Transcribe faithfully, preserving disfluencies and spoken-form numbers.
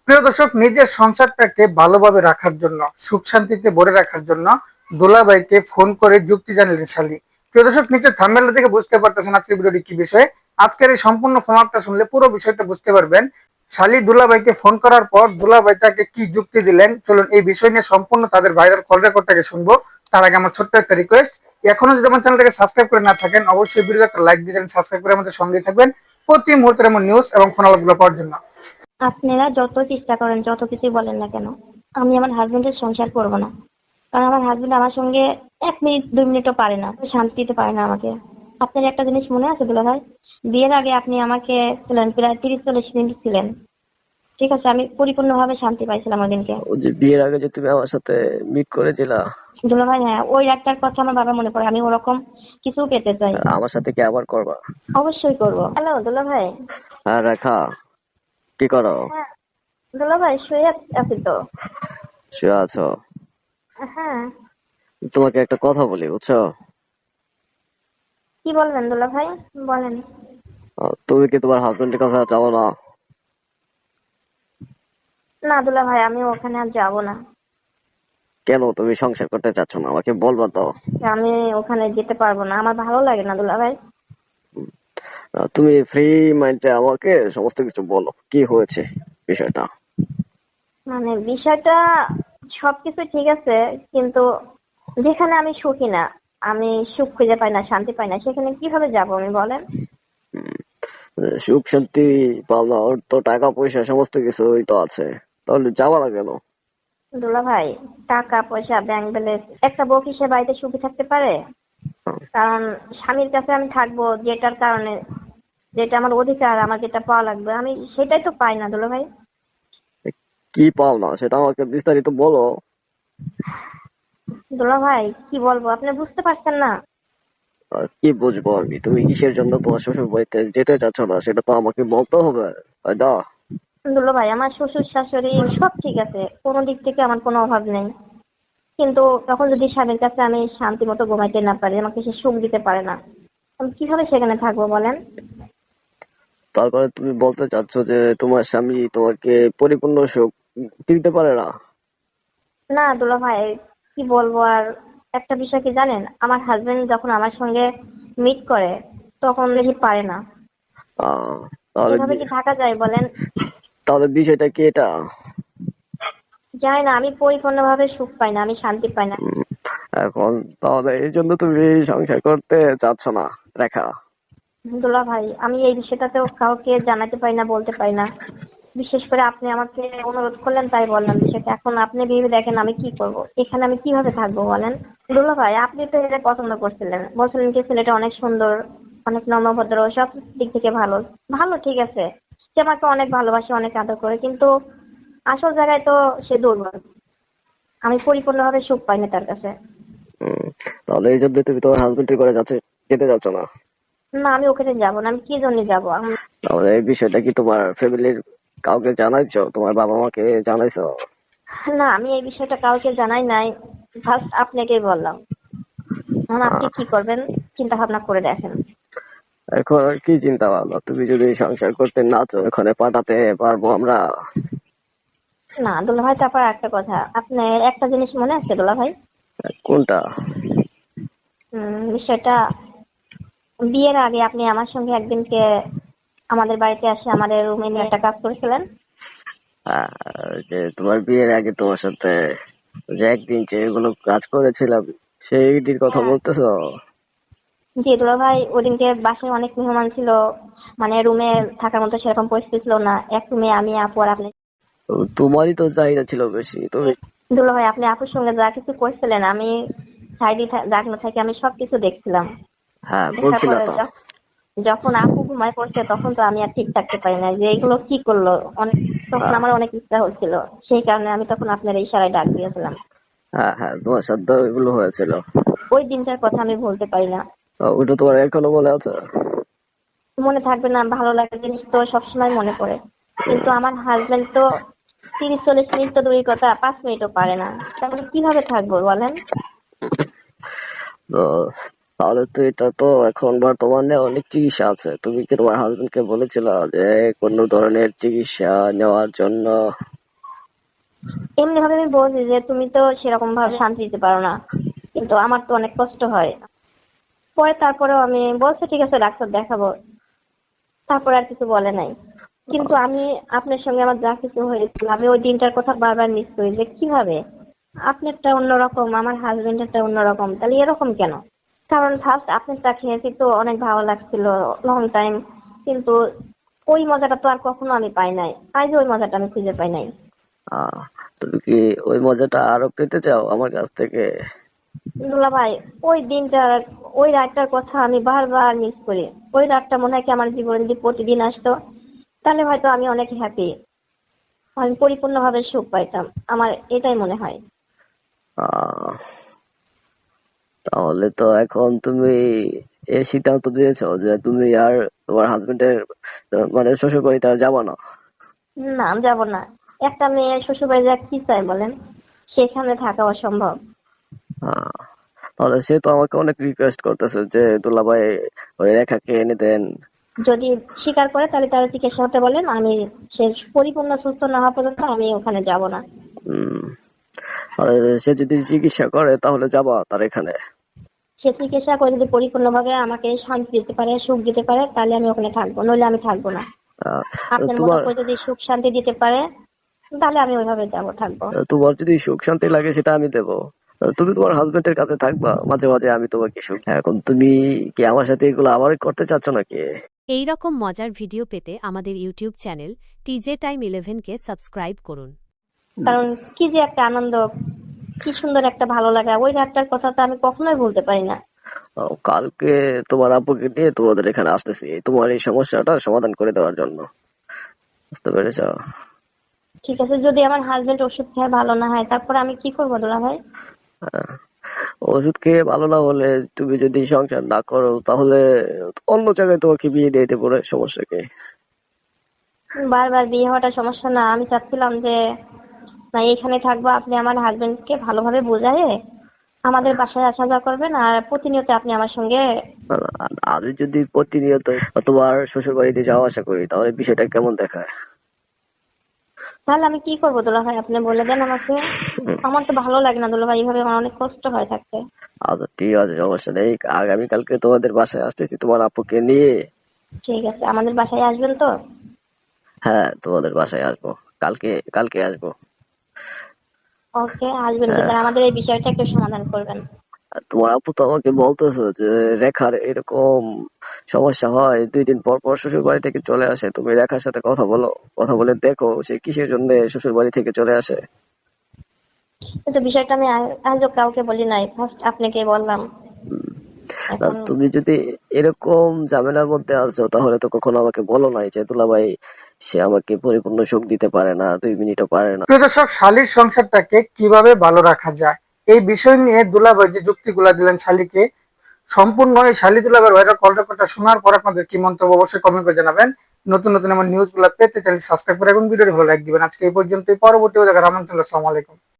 প্রিয় দর্শক, নিজের সংসারটাকে ভালোভাবে রাখার জন্য, সুখ শান্তিতে ভরে রাখার জন্য দুলাভাইকে ফোন করে যুক্তি জানালেন শালী। প্রিয় দর্শক, নিচের থাম্বনেল থেকে বুঝতে পারতেছেন আজকের ভিডিওটি কি বিষয়ে। আজকের এই সম্পূর্ণ ফোনআপটা শুনলে পুরো বিষয়টা বুঝতে পারবেন। শালী দুলাভাইকে ফোন করার পর দুলাভাই তাকে কি যুক্তি দিলেন, চলুন এই বিষয় নিয়ে সম্পূর্ণ তাদের ভাইরাল কল রেকর্ডটাকে শুনবো। তার আগে আমার ছোট্ট একটা রিকোয়েস্ট, এখনো যদি আমার চ্যানেলটাকে সাবস্ক্রাইব করে না থাকেন, অবশ্যই ভিডিওতে একটা লাইক দিয়ে সাবস্ক্রাইব করে আমাদের সঙ্গে থাকবেন প্রতি মুহূর্তের এমন নিউজ এবং ফোনালাপগুলো পাওয়ার জন্য। আপনারা যত চেষ্টা করেন, যত কিছুই বলেন না কেন, আমি আমার হাজবেন্ডের সংসার করব না। কারণ আমার হাজবেন্ড আমার সঙ্গে এক মিনিট দুই মিনিটও পারে না, শান্তি দিতে পারে না আমাকে। আপনার একটা জিনিস মনে আছে দুলা ভাই, বিয়ের আগে আপনি আমাকে ছিলেন প্রায় তিরিশ চল্লিশ মিনিট ছিলেন, ঠিক আছে, আমি পরিপূর্ণভাবে শান্তি পাইছিলাম ওই দিনকে। ও যে বিয়ের আগে যে তুমি আমার সাথে মিট করেছিলা, দুলা ভাই, হ্যাঁ, ওই একটার কথা আমার বাবা মনে পড়ে, আমি ওরকম কিছু পেতে চাই। আমার সাথে কি আবার করবা? অবশ্যই করব। হ্যালো দুলা ভাই। হ্যাঁ রেখা, কি করো? হ্যাঁ দুলা ভাই, শুয়ে আছি তো। শুয়ে আছো? হ্যাঁ। তোমাকে একটা কথা বলি, বুঝছো? কি বলবেন দুলা ভাই, বলেন। আহ, তুমি কি তোমার হাজবেন্ডের কাছে যাবো না? না দুলা ভাই, আমি ওখানে আর যাবো না। কেন তুমি সংসার করতে চাচ্ছ না? আমাকে বলবা তো। আমি ওখানে যেতে পারবো না, আমার ভালো লাগে না দুলা ভাই। আহ, তুমি ফ্রি মাইন্ডে আমাকে সমস্ত কিছু বলো, কি হয়েছে বিষয়টা। মানে বিষয়টা সবকিছু ঠিক আছে, কিন্তু যেখানে আমি সুখী না, আমি সুখ খুঁজে পাই না, শান্তি পাই না, সেখানে কিভাবে যাবো আমি, বলেন। উম, সুখ শান্তি পাওনা, ওর তো টাকা পয়সা সমস্ত কিছুই তো আছে, তাহলে যাবা না কেন? দুলা ভাই, টাকা পয়সা ব্যাংক ব্যালেন্স, একটা বউ কি সে বাড়িতে সুখী থাকতে পারে? কারণ স্বামীর কাছে আমি থাকবো যেটার কারণে, যেটা আমার অধিকার, আমার যেটা পাওয়া লাগবে, আমি সেটাই তো পাই না দুলা ভাই। কি পাও না সেটা আমাকে বিস্তারিত বলো। দুলা ভাই, কি বলবো, আপনি বুঝতে পারছেন না। আর কি বুঝবো আমি? তুমি কিসের জন্য তোমার শ্বশুর বাড়িতে যেতে চাচ্ছ না সেটা তো আমাকে বলতে হবে, তাই না? দুলা ভাই, আমার শ্বশুর শাশুড়ি সব ঠিক আছে, কোনো দিক থেকে আমার কোনো অভাব নেই, কিন্তু তখন যদি স্বামীর কাছে আমি শান্তি মতো ঘুমাইতে না পারি, আমাকে সে সুখ দিতে পারে না, আমি কিভাবে সেখানে থাকবো বলেন। তারপরে তুমি বলতে চাচ্ছ যে তোমার স্বামী তোমাকে পরিপূর্ণ সুখ দিতে পারে না? না দুলা ভাই, কি বলবো আর। একটা বিষয় কি জানেন, আমার হাজবেন্ড যখন আমার সঙ্গে মিট করে তখন দেখি পারে না। আহ তাহলে এভাবে বি- কি থাকা যায় বলেন। তাহলে বিষয়টা কি এটা? জানি না, আমি পরিপূর্ণভাবে সুখ পাই না, আমি শান্তি পাই না। উম, এখন তাহলে এই জন্য তুমি সংসার করতে চাচ্ছ না, রেখা? দুলা ভাই, আমি এই বিষয়টাতেও কাউকে জানাতে পারি না, বলতে পারি না। বিশেষ করে আপনি আমাকে অনুরোধ করলেন তাই বললাম বিষয়টা। এখন আপনি ভেবে দেখেন আমি কি করব, এখানে আমি কিভাবে থাকবো বলেন। দুলা ভাই, আপনি তো এটা পছন্দ করছিলেন, বলছিলেন কি ছেলেটা অনেক সুন্দর, অনেক নম্রভদ্র, সব দিক থেকে ভালো। ভালো, ঠিক আছে, সে আমাকে অনেক ভালোবাসে, অনেক আদর করে, কিন্তু আসল জায়গায় তো সে দুর্বল। আমি পরিপূর্ণভাবে সুখ পাই না তার কাছে। উম, তাহলে এই জন্য তুমি তোমার হাজবেন্ডের করে যাচ্ছে, যেতে চাচ্ছ না? না, আমি ওখানে যাবো না, আমি কি জন্য যাবো। তাহলে এই বিষয়টা কি তোমার ফ্যামিলির কাউকে জানাইছো? তোমার বাবা মাকে জানাইছো? না, আমি এই বিষয়টা কাউকে জানাই নাই, ফার্স্ট আপনাকেই বললাম। এখন আপনি আহ কি করবেন চিন্তা ভাবনা করে দেখেন। এখন আর কি চিন্তা ভাবনা? তুমি যদি সংসার করতে না চাও, এখানে পাঠাতে পারবো আমরা? না দুলা ভাই, তারপর একটা কথা, আপনার একটা জিনিস মনে আছে দুলা ভাই? কোনটা? উম, বিষয়টা, বিয়ের আগে আপনি আমার সঙ্গে একদিনকে আমাদের বাড়িতে আসে আমাদের রুমে নিয়ে একটা কাজ করেছিলেন। আহ, যে তোমার বিয়ের আগে তোমার সাথে যে একদিন যেগুলো কাজ করেছিলাম সেইটির কথা হ্যাঁ। বলতেছো? জি দুলা ভাই, ওদিনকে বাসায় অনেক মেহমান ছিল, মানে রুমে থাকার মতো সেরকম পরিস্থিতি ছিল না, এক রুমে আমি, আপু আর আপনি। তো তোমারই তো চাহিদা ছিল বেশি, তুমি। দুলা ভাই, আপনি আপুর সঙ্গে যা কিছু করছিলেন, আমি সাইডে দাঁড়ানো থেকে আমি সবকিছু দেখছিলাম। হ্যাঁ দেখার বলছিল পরে তো। যখ- যখন আপু ঘুমায় পড়ছে তখন তো আমি আর ঠিক থাকতে পারি না, যে এগুলো কি করলো, অনেক, তখন আহ, আমার অনেক ইচ্ছা হচ্ছিল, সেই কারণে আমি তখন আপনার ইশারায় ডাক দিয়েছিলাম। হ্যাঁ হ্যাঁ, তোমার সাথে এগুলো হয়েছিল। ওই দিনটার কথা আমি ভুলতে পারি না। আহ, ওটা তোমার এখনো মনে আছে? মনে থাকবে না, ভালো লাগার জিনিস তো সবসময় মনে পড়ে, কিন্তু আমার হাজবেন্ড তো তিরিশ চল্লিশ মিনিট তো দূরের কথা, পাঁচ মিনিটও পারে না, তাহলে কিভাবে থাকবো বলেন। তো তাহলে তো এটা তো এখন বর্তমানে অনেক চিকিৎসা আছে, তুমি কি তোমার হাজবেন্ডকে বলেছিল যে কোনো ধরনের চিকিৎসা নেওয়ার জন্য? এমনি ভাবে আমি বলছি যে তুমি তো সেরকম ভাবে শান্তি দিতে পারো না, কিন্তু আমার তো অনেক কষ্ট হয়। পরে তারপরেও আমি বলছি ঠিক আছে ডাক্তার দেখাবো, তারপরে আর কিছু বলে নাই। কিন্তু আমি আপনার সঙ্গে আমার যা কিছু হয়েছিল আমি ওই দিনটার কথা বারবার মিস করি যে কিভাবে আপনারটা অন্যরকম আমার হাজবেন্ডেরটা অন্যরকম, তাহলে এরকম কেন? কারণ ফার্স্ট আপনারটা খেয়েছি তো অনেক ভালো লাগছিল লং টাইম, কিন্তু ওই মজাটা তো আর কখনো আমি পাই নাই, আজ ওই মজাটা আমি খুঁজে পাই নাই। আহ তুমি কি ওই মজাটা আরো পেতে চাও আমার কাছ থেকে? দুলা ভাই, ওই দিনটা ওই রাতটার কথা আমি বারবার মিস করি। ওই রাতটা মনে হয় কি আমার জীবনে যদি প্রতিদিন আসতো তাহলে হয়তো আমি অনেক হ্যাপি, আমি পরিপূর্ণভাবে সুখ পাইতাম, আমার এটাই মনে হয়। আহ তাহলে তো এখন তুমি এই সিদ্ধান্ত দিয়েছো যে তুমি আর তোমার হাজবেন্ডের মানে শ্বশুর বাড়িতে আর যাবা না? না আমি যাবো না। একটা মেয়ে শ্বশুরবাড়ি যা কি চাই বলেন, সেখানে থাকা অসম্ভব। আহ, তাহলে সে তো আমাকে অনেক রিকোয়েস্ট করতেছে যে দুলাভাই ওই রেখাকে এনে দেন। যদি স্বীকার করে তাহলে তারা চিকিৎসা হতে বলেন, আমি সে পরিপূর্ণ সুস্থ না হওয়া পর্যন্ত আমি ওখানে যাব না। উম আর সে যদি চিকিৎসা করে তাহলে যাবা তার এখানে? সে চিকিৎসা করে যদি পরিপূর্ণভাবে আমাকে শান্তি দিতে পারে সুখ দিতে পারে তাহলে আমি ওখানে থাকবো, নইলে আমি থাকবো না। আহ, আপনার মতো তোমার করে যদি সুখ শান্তি দিতে পারে তাহলে আমি ওইভাবে যাবো থাকবো। তোমার যদি সুখ শান্তি লাগে সেটা আমি দেবো। তুমি তোমার হাজবেন্ডের কাছে থাকবা, মাঝে মাঝে আমি তোমাকে সুখ। এখন তুমি কি আমার সাথে এগুলো আবার করতে চাচ্ছ নাকি? এই রকম মজার ভিডিও পেতে আমাদের ইউটিউব চ্যানেল টিজে টাইম ইলেভেনকে সাবস্ক্রাইব করুন। কারণ কি যে একটা আনন্দ, কি সুন্দর একটা ভালো লাগা, ওই রাতটার কথা তো আমি কখনোই ভুলতে পারি না। আহ, কালকে তোমার আব্বুকে নিয়ে তোমাদের এখানে আসতেছি তোমার এই সমস্যাটা সমাধান করে দেওয়ার জন্য। বুঝতে পেরেছ? ঠিক আছে, যদি আমার হাজবেন্ড ওষুধ খেয়ে ভালো না হয় তারপর আমি কি করবো দুলা ভাই? আহ, ওষুধ খেয়ে ভালো না হলে তুমি যদি সংসার না করো তাহলে অন্য জায়গায় তোমাকে বিয়ে দিয়ে দেবো রে, সমস্যা কি? বারবার বিয়ে হওয়াটা সমস্যা না, আমি চাচ্ছিলাম যে না এখানে থাকবো, আপনি আমার হাজবেন্ডকে ভালোভাবে বোঝায়ে আমাদের বাসায় আসা যাওয়া করবেন, আর প্রতিনিয়ত আপনি আমার সঙ্গে। আর আমি যদি প্রতিনিয়ত তোমার শ্বশুর বাড়িতে যাওয়া আসা করি তাহলে বিষয়টা কেমন দেখায়? তাহলে আমি কি করবো দুলা ভাই, আপনি বলে দেন আমাকে। আমার তো ভালো লাগে না দুলা ভাই, এইভাবে আমার অনেক কষ্ট হয় থাকতে। আচ্ছা ঠিক আছে, সমস্যা নেই। আগামীকালকে তোমাদের বাসায় আসতেছি তোমার আপুকে নিয়ে। ঠিক আছে, আমাদের বাসায় আসবেন তো? হ্যাঁ, তোমাদের বাসায় আসবো। কালকে কালকে আসবো। ওকে, আসবেন, কিন্তু হ্যাঁ, আমাদের এই বিষয়টা একটু সমাধান করবেন। আর তোমার আপু তো আমাকে বলতেছে যে রেখার এরকম সমস্যা হয়, দুই দিন পর পর শ্বশুর বাড়ি থেকে চলে আসে। তুমি রেখার সাথে কথা বলো, কথা বলে দেখো সে কিসের জন্য শ্বশুর বাড়ি থেকে চলে আসে। কিন্তু বিষয়টা আমি আ- আজও কাউকে বলি নাই, ফার্স্ট আপনাকে বললাম। না, এখন তুমি যদি এরকম ঝামেলার মধ্যে আছো তাহলে তো কখনো আমাকে বলো নাই যে দুলাভাই সে আমাকে পরিপূর্ণ সুখ দিতে পারে না, দুই মিনিটও পারে না। প্রিয় দর্শক, শালীর সংসারটাকে কিভাবে ভালো রাখা যায় এই বিষয় নিয়ে দুলাভাই যে যুক্তিগুলা দিলেন শালীকে, সম্পূর্ণ এই শালী দুলাভাইয়ের ভাইরাল কল রেকর্ডটা শোনার পর আপনাদের কি মন্তব্য অবশ্যই কমেন্ট করে জানাবেন। নতুন নতুন আমার নিউজগুলো পেতে চ্যানেল সাবস্ক্রাইব করে এবং ভিডিওটি ভালো লাইক দিবেন। আজকে এই পর্যন্তই, পরবর্তী দেখার আমন্ত্রণ। আসসালামু আলাইকুম।